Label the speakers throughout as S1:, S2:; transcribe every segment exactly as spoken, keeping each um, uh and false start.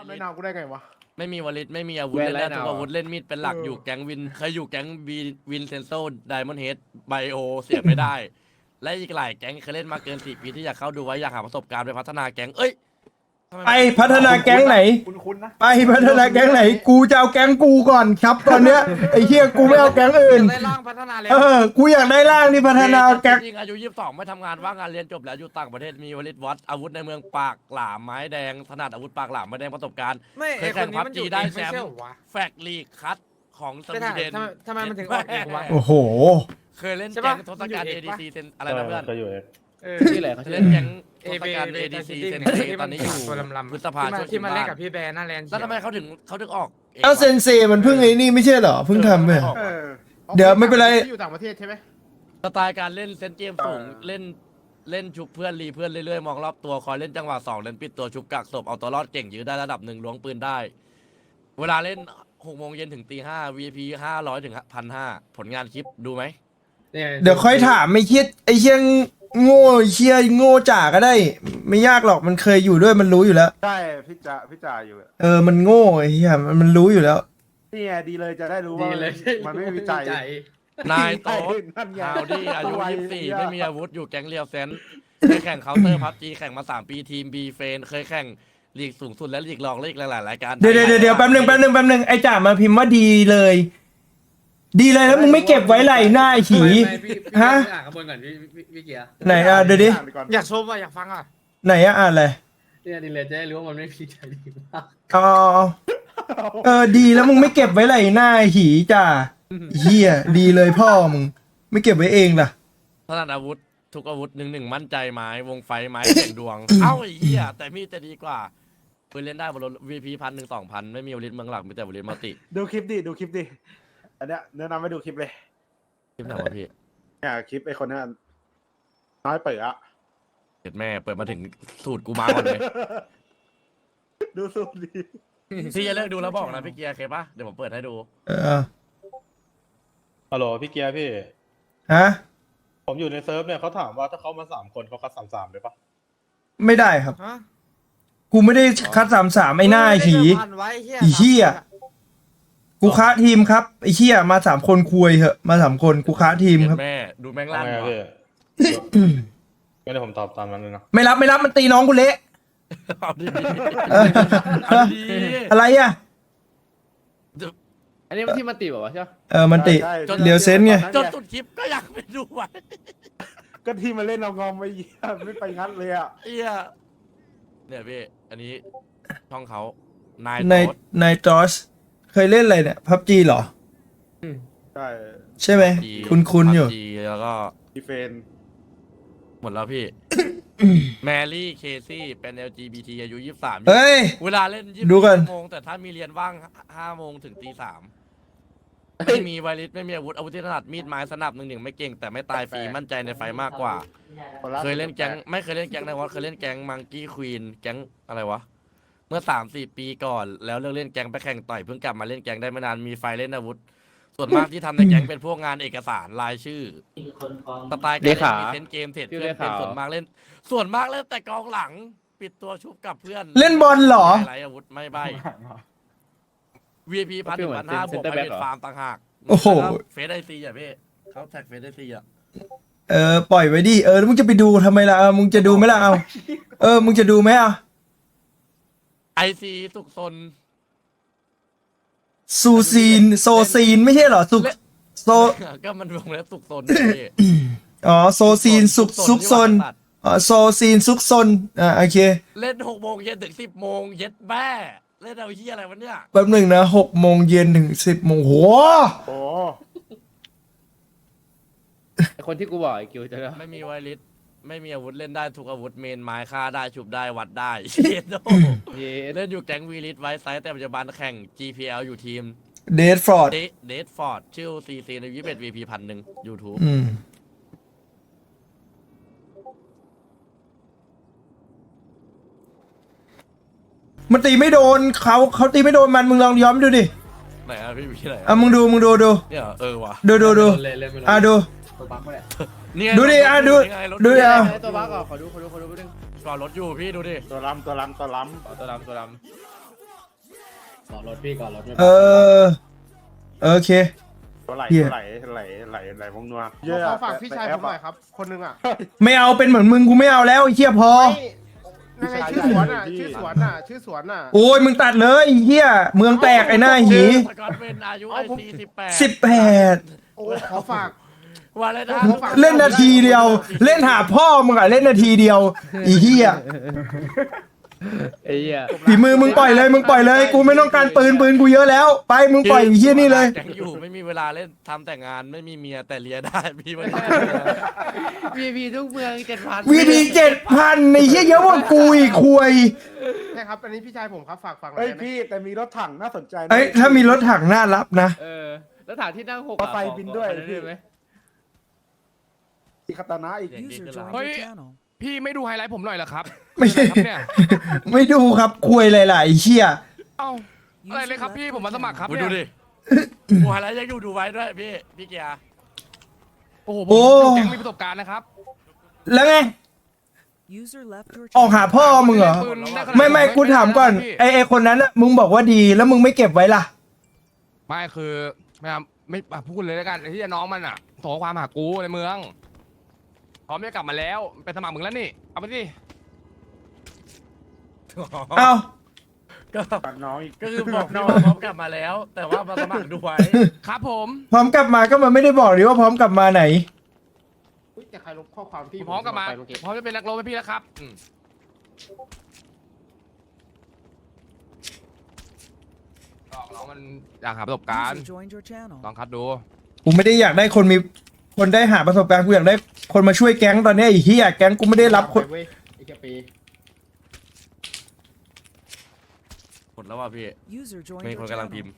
S1: ไม่นาวกูได้ไงวะ
S2: ไม่มีวลิตไม่มีอาวุธเล่นได้ทุกอาวุธเล่นมีดเป็นหลักอยู่แก๊งวินเคยอยู่แก๊งวีวินเซนโซไดมอนด์เฮดไบโอเสียไม่ได้ และอีกหลายแก๊งเคยเล่นมาเกินสี่ปีที่อยากเข้าดูไว้อยากหาประสบการณ์ไปพัฒนาแก๊งเอ้ย
S3: ไปพัฒนาแก๊งไหน
S1: คุ้นๆนะ
S3: ไปพัฒนาแก๊งไหน กูจะเอาแก๊งกูก่อนครับตอนเนี้ยไอ้เหี้ยกูไม่เอาแก๊งอื่น
S2: ได้ร่างพัฒนาแล้ว
S3: เออ กูอยากได้ร่างที่พัฒนาแก๊ง
S2: จริงอายุยี่สิบสองไม่ทำงานว่างงานเรียนจบแล้วอยู่ต่างประเทศมีวลิตวัดอาวุธในเมืองปากหลามไม้แดงถนัดอาวุธปากหลามไม้แดงประสบการณ์
S4: ไม่
S2: เค
S4: ไอ้
S2: ย
S4: ค
S2: แข่
S4: น
S2: ง
S4: นี้
S2: พับ
S4: มันอ
S2: จี
S4: ยู่
S2: ได้
S4: เอง
S2: แช
S4: ไม่
S2: ม
S4: ใช่
S2: ป์
S4: เหรอวะ
S2: แฟกลีกคัดของส
S4: ไม่
S2: วี
S4: ได้
S2: เดน
S4: ทำไมทำไมมันถึงออกเองวะ
S3: โอ้โห
S2: เคยเล่น
S4: ใช่
S2: แก๊
S4: ปะ
S2: งทศกัณฐ์
S4: มันอยู่
S2: เอ
S4: เอก
S2: ดี
S4: ปะ
S2: ซีเซนอะไรนะเพื่อน
S5: ก็อยู่เอง
S4: เออ
S6: ชื่ออะไรเขาชื่อ
S2: เล่
S6: อะ
S2: น
S6: ไร
S2: แก๊งท
S4: เอ
S2: ศ
S4: เบ
S2: กัณฐ์เอดีซีเซน
S4: ที่
S2: ตอนนี้อยู่
S4: ตัวลำๆ
S2: พฤษภา
S4: ที่มา
S2: ช่วย
S4: ที่มาเล่น
S2: บ้
S4: กับพี่แบร์หน้าแลนด์
S2: แล้วทำไมเขาถึงเขาถึงออก
S3: เอ้าเซนเซมันเพิ่งไอ้นี่ไม่ใช่เหรอเพิ่งทำไป
S1: เออ
S3: เดี๋ยวไม่เป็นไร
S1: อยู่ต่างประเทศใช่ไหม
S2: สไตล์การเล่นเซนเกมสูงเล่นเล่นชุบเพื่อนรีเพื่อนเรื่อยๆมองรอบตัวคอยเล่นจังหวะสองเล่นปิดตัวชุบกักศพเอาตัวรอดเก่งยื้อได้ระดับหนึ่งล้วงปืนได้ เวลาเล่นหกโมงเย็นถึงตีห้า วี พี ห้าร้อยถึงพันห้าผลงานคลิปดูไหม
S3: เดี๋ยวค่อยถามไอ้เหี้ยไอ้เหี้ยโง่ไอ้เหี้ยโง่จ่าก็ได้ ไม่ยากหรอกมันเคยอยู่ด้วยมันรู้อยู่แล้ว
S1: ใช่พี่จ่าพี่จ่าอยู่
S3: เออมันโง่ไอ้เหี้ยมันมันรู้อยู่แล้ว
S1: นี่ไงดีเลยจะได้รู้
S6: ดี
S1: ว่า
S6: เลย
S1: มันไม่มีวิจัย
S2: นายโต๊ด
S1: นั่นไง
S2: ข่าวดีอายุยี่สิบสี่ไม่มีอาวุธอยู่แก๊งเรียวเซนเคยแข่งเคาน์เตอร์พับจีแข่งมาสามปีทีมบีเฟนเคยแข่งลีกสูงสุดและลีกรองและอีกหลายๆรายการ
S3: เดี๋ยวเดี๋ยวเดี๋ยวแป๊บหนึ่งแป๊บหนึ่งแป๊บหนึ่งไอ้จ่ามาพิมพ์ว่าดีเลย ดีเลยแล้วมึงไม่เก็บไว้ไหลหน้าไอ้ขี
S6: ไม่พี่พี่
S3: ฮะ
S6: อ่านข้างบนก่อนพี่พี่พี่เกียร์
S3: ไหนอ่ะเดี๋ยวดิ
S1: อ่านไปก่อน
S4: อยากชมว่ะอยากฟังอ่ะ
S3: ไหนอ่ะอ่านเลย
S6: เนี่ยดีเลยจะได้รู้ว่ามันไม่มีใจดีมาก
S3: อ๋อเออดีแล้วมึงไม่เก็บไว้ไหลหน้าไอ้ขีจ่าเฮียดีเลยพ่อมึงไม่เก็บไว้เองล่ะ
S2: ถนัดอาวุธทุกอาวุธหนึ่งหนึ่งมั่นใจไม้วงไฟไม้แข่งดวง เอ้าไอ้เหี้ยแต่มีดจะดีกว่าปืนเล่นได้บนรถ วี พี พันหนึ่งสองพันไม่มีวลิตเมืองหลักมีแต่วลิตมัลติ
S1: ดูคลิปดิดูคลิปดิอันเนี้ยแนะนำให้ดูคลิปเลย
S2: คลิปไหนวะพี่
S1: เนี่ยคลิปไอ้คนนั้นน้อยเปิดอะ
S2: เด็ดแม่เปิดมาถึงสูตรกูมาก่อนเลย
S1: ดูสูดี
S2: พี่จะเลิกดูแล้วบอกนะพี่เกียร์เคปะเดี๋ยวผมเปิดให้ดู
S3: เออ
S5: ฮัลโหลพี่เกียร์พี่
S3: ฮะ
S5: ผมอยู่ในเซิร์ฟเนี่ยเขาถามว่าถ้าเขามาสามคนเขาคัดสามสามเลยปะ
S3: ไม่ได้ครับ
S4: ฮะ
S3: กูไม่ได้คัดสามสามไอ้หน้าไอ้ขี
S4: พันไว้เหี้ย
S3: ไอ้เหี้ย กูค้าทีมครับไอ้เชี่ยมาสามคนคุยเหอะมาสามคนกูค้าทีม
S2: เด็
S3: ครับ
S2: ดแม่ดูแม่ง
S5: ทำ
S2: ลั่น
S5: ไงอะ
S2: ว่ะ
S5: พี่งั้นเดี๋ยวผมตอบตามนั้นเลยนะ
S3: ไม่รับไม่รับมันตีน้องกูเละ
S2: เอาดี
S3: เออ
S2: เอาดี
S3: อะไรอ่ะ
S6: อันนี้มันที่มันตีบอกว่าใช่ไหม
S3: เออมันติ
S1: ใช่
S3: เดี๋ยวเซนไง
S2: จนสุดคลิปก็อยากไปดูไว้
S1: ก็ที่มาเล่นเอางอมไปเยี่ยไม่ไปงั้นเลยอ่ะ
S2: เอี้ยเนี่ยพี่อันนี้ช่องเขานาย
S3: ใน
S2: โต๊ด
S3: ในจอสเคยเล่นอะไรเนี่ยพับจีเหรอ
S1: ใช่
S3: ใช่ไหม
S2: จี
S3: คุณคุณอยู่
S2: จีแล้วก็
S1: ดีเฟน
S2: หมดแล้วพี่ แมรี่เคซี่เป็น แอล จี บี ที อายุยี่สิบสาม
S3: เฮ้ย
S2: เวลาเล่นยี่
S3: ดู
S2: สิบ
S3: กัน
S2: ชั่วโมงแต่ถ้ามีเรียนว่างห้าโมงถึงตีสามไม่มีไวริสไม่มีอาวุธอาวุธที่ถนัดมีดไม้สนับหนึ่งหนึ่งไม่เก่งแต่ไม่ตายฟรีมั่นใจในไฟมากกว่า เคยเล่นแก๊งไม่เคยเล่นแก๊งในวอตเคยเล่นแก๊งมังกี้ควีนแก๊งอะไรวะ เมื่อสามสี่ปีก่อน แล้วเลิกเล่นแก๊งไปแข่งต่อยเพิ่งกลับมาเล่นแก๊งได้ไม่นานมีไฟเล่นอาวุธ ส่วนมากที่ทำในแก๊งเป็นพวกงานเอกสารรายชื่อสไตล์การเล่นมีเซนส์เกมเทรดเพื่อนเป็นส่วนมากเล่น ส่วนมากเล่นแต่กองหลัง ปิดตัวชุบกับเพื่อน
S3: เล่นบอลเหรอ
S2: ไม่ไรอาวุธไม่ใบ วี พี พันถึงพันห้าบวกไพรเวทฟาร์มต่างหาก
S3: โอ้โห
S2: เฟสไอซีอ่ะพี่เขาแท็กเฟสไอซีอ่ะ
S3: เออปล่อยไว้ดิเออแล้วมึงจะไปดูทำไมล่ะเออมึงจะดูไหมล่ะเอาเออมึงจะดูไหมอ่ะ
S2: ไอซีสุกซน
S3: ซูซีนโซซีนไม่ใช่เหรอสุกโซ
S2: ก็มันวงเล็บสุกซนพี่
S3: อ๋อโซซีนซุกซุกซนอ๋อโซซีนซุกซนอ่าโอเค
S2: เล่นหกโมงเย็นถึงสิบโมงเย็ดแม่เล่นเอาเฮียอะไรวะเนี่ย
S3: แป๊บหนึ่งนะหกโมงเย็นถึงสิบโมงโห
S1: โอ้
S6: ไอ้คนที่กูบอกไอ้กิวจะได้
S2: ไม่มีไวริสไม่มีอาวุธเล่นได้ทุกอาวุธเมนไม้ฆ่าได้ฉุบได้วัดได้ เยโด
S6: เย้
S2: เล่นอยู่แก๊งวีริสไว้ไซส์แต่ปัจจุบันแข่ง จี พี แอล อยู่ทีม
S3: เดดฟอร์ด
S2: เดเดดฟอร์ดชื่อซีซีในยี่สิบเอ็ดวีพีพันหนึ่งยูทูบ
S3: อืมมันตีไม่โดนเขาเขาตีไม่โดนมันมึงลองย้อมดูดิ
S2: ไหนอะพี่พี่ไหน
S3: อ่ะมึงดูมึงดูดู
S2: เนี่ยเออว่ะ
S3: ดูดูดู
S6: เล่นเล่นไม่รู้
S3: อ่ะดู
S6: ตัวบั๊กมาแหละ
S2: นี่ไง
S3: ดูดิอ่ะดู
S2: นี่ไงรถ
S3: ดูดิอ่ะ
S6: ไอ้ตัวบั๊กอ่ะขอดูขอดูขอดูไปดึง
S2: จอดรถอยู่พี่ดูดิ
S1: ตัวล้ำตัวล้ำตัวล้
S6: ขอตัวดำตัวดก่อนรถพี่ก่อนรถไม่
S3: เออโอเค
S1: ไหล
S3: เหี้ย
S1: ไหลไหลไหลไหลวงนัว
S7: ขอฝากพี่ชายผมหน่อยครับ คนหนึงอ่ะ
S3: ไม่เอาเป็นเหมือนมึงกูไม่เอาแล้วไอ้เหี้ยพอ
S7: ไม่นั่นไงชื่อสวนอ่ะ ชื่อสวนอ่ะ ชื่อสวนอ่ะ
S3: โอ้ยมึงตัดเลยไอ้เหี้ยเมืองแตกไอ้หน้าหี
S2: สกอตเป็นอายุไอซีสิบแปด
S3: สิบแปด
S7: โอ้ขอฝาก
S2: ว่าเลยนะ
S3: เล่นนาทีเดียว เล่นหาพ่อมึงอะเล่นนาทีเดียวอีเหี้ย
S6: ไอ้เหี้ย
S3: ฝีมือมึงปล่อยเลยมึงปล่อยเลยกูไม่ต้องการปืนปืนกูเยอะแล้ว ไปมึงปล่อยไอ้เหี้ยนี่เลย
S2: แก๊งอยู่ไม่มีเวลาเล่นทำแต่งานไม่มีเมียแต่เลียได้พี่ไม่ได้
S6: วีพีทุกเมืองเจ็ดพัน
S3: วีดีเจ็ดพันไอ้เหี้ยเยอะกว่ากูอีกคุย
S7: ใช่ครับ อันนี้พี่ชายผมครับ ฝากฟังหน่
S1: เฮ้
S7: อย
S1: ย
S7: ได้ไหม
S1: พี่แต่มีรถถังน่าสนใจนะ
S3: เอ้ยถ้ามีรถถังน่ารับนะ
S6: เออแล้วถามที่นั่งหก
S1: รถไฟบินด้วย
S6: ขอได้ไหม
S1: อีคาตานะอีก
S2: เด็กดีขึ้นแล้ว
S4: เฮ้ย พี่ไม่ดูไฮไลท์ผมหน่อยเหรอครับ
S3: ไม่ใช่
S4: ครับเนี่ย
S3: ไม่ดูครับคุยหลายๆเชี่ย
S4: เอ้าอะไรเลยครับพี่ผมมาสมัครครับ
S2: คุณ
S4: เนี่
S2: ดู
S4: ย
S2: ดิหัวอะไรยังอยู่ดูไว้ด้วยพี่พี่เกียร์
S4: โอ้โหผมอยู่แก๊งมีประสบการณ์นะครับ
S3: แล้วไง ออกหาพ่อมึงเหรอ
S4: ปืนด้ขนาด
S3: ไม่ไม่
S4: นั้น
S3: กูถามก่อน
S4: พี่
S3: ไอไอคนนั้นน่ะมึงบอกว่าดีแล้วมึงไม่เก็บไว้ล่ะ
S4: ไม่คือไม่เอาไม่อ่ะพูดเลยแล้วกันไอ้ที่น้องมันอ่ะโทรความหากูในเมืองพร้อมจะกลับมาแล้วไปสมัครมึงแล้วนี่เอาไปสิ
S3: เอ้า
S2: ก็
S1: ตัดน้องอีก
S2: ก็คือบอกพี่ว่าพร้อมกลับมาแล้ว แต่ว่ามาสมัครดูไว้
S4: ครับผม
S3: พร้อมกลับมาก็มันไม่ได้บอกดิว่าพร้อมกลับมาไหน
S7: อุ๊ยแต่ใครลบข้อความพี่
S4: พร้อมกลับมา
S7: ไปเมื่อกี้
S4: พร้อมจะเป็นนักรบให้พี่แล้วครับอืมลองน้องมันอยากหาประสบการณ์ลองคัดดู
S3: กูไม่ได้อยากได้คนมีคนได้หาประสบการณ์กูอยากได้คนมาช่วยแก๊งตอนเนี้ยไอ้เหี้ยแก๊งกูไม่ได้รับคน
S7: ไปเว้ยอีกแค่ปี
S2: หมดแล้วว่ะพี่มีคนกำลังพิมพ์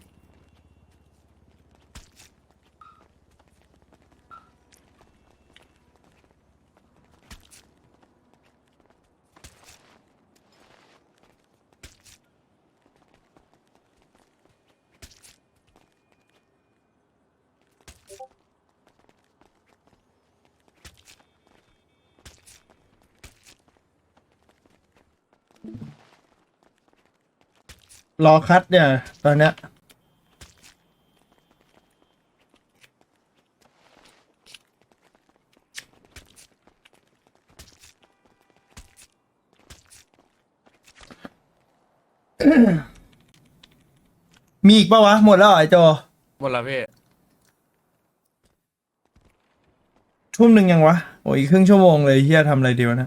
S3: รอคัดเนี่ยตอนเนี้ยมีอีกปะวะ หมดแล้วเหรอไอโจ
S2: หมดแล้วพี่
S3: ทุ่มหนึ่งยังวะ โอ้ยอีกครึ่งชั่วโมงเลยเฮียทำอะไรดีวะเนะ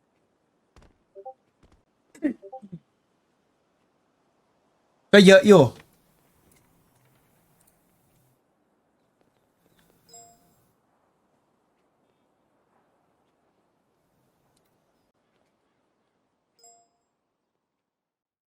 S3: ก็เยอะอยู่